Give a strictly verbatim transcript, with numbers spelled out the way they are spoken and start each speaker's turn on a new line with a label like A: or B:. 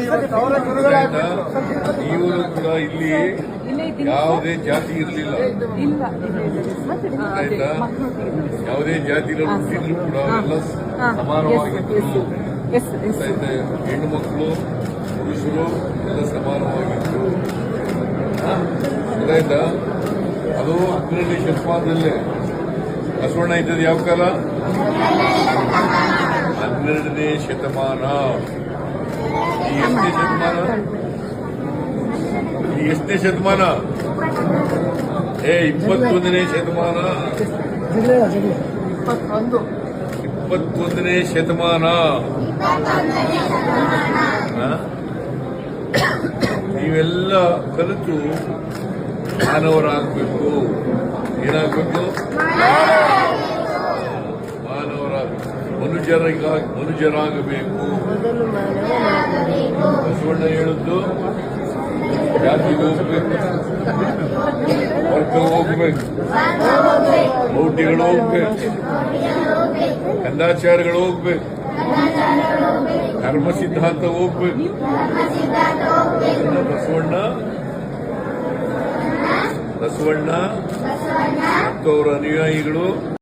A: ಆಯ್ತಾ? ಇವರು ಕೂಡ ಇಲ್ಲಿ ಯಾವುದೇ ಜಾತಿ ಇರಲಿಲ್ಲ ಆಯ್ತಾ. ಯಾವುದೇ ಜಾತಿ ಹುಟ್ಟಿದ್ರು ಕೂಡ ಅವರೆಲ್ಲ ಸಮಾನವಾಗಿದ್ರು ಆಯ್ತಾ. ಹೆಣ್ಣು ಮಕ್ಕಳು ಪುರುಷರು ಎಲ್ಲ ಸಮಾನವಾಗಿದ್ರು ಆಯ್ತಾ. ಅದು ಹನ್ನೆರಡನೇ ಶತಮಾನದಲ್ಲೇ ಬಸವಣ್ಣ ಇದ್ದದ್ದು ಯಾವ ಕಾಲ? ಹನ್ನೆರಡನೇ ಶತಮಾನ. ಈ ಎಷ್ಟನೇ ಶತಮಾನ? ಈ ಎಷ್ಟನೇ ಶತಮಾನ? ಏ ಇಪ್ಪತ್ತೊಂದನೇ ಶತಮಾನ. ಇಪ್ಪತ್ತೊಂದನೇ ಶತಮಾನ. ನೀವೆಲ್ಲ ಕಲಿತು ಮಾನವರಾಗಬೇಕು. ಏನಾಗಬೇಕು? ಮಾನವರಾಗಬೇಕು. ಮನುಜರಾಗ ಮನುಜರಾಗಬೇಕು. ಬಸವಣ್ಣ ಹೇಳಿದ್ದು ಜಾತಿಗೆ ಹೋಗ್ಬೇಕು, ವರ್ಗ ಹೋಗ್ಬೇಕು, ಮೌಢ್ಯಗಳು ಹೋಗ್ಬೇಕು, ಕಂದಾಚಾರಗಳು ಹೋಗ್ಬೇಕು, ಧರ್ಮ ಸಿದ್ಧಾಂತ ಹೋಗ್ಬೇಕು. ಬಸವಣ್ಣ ಬಸವಣ್ಣ ಮತ್ತು ಅವರ ಅನುಯಾಯಿಗಳು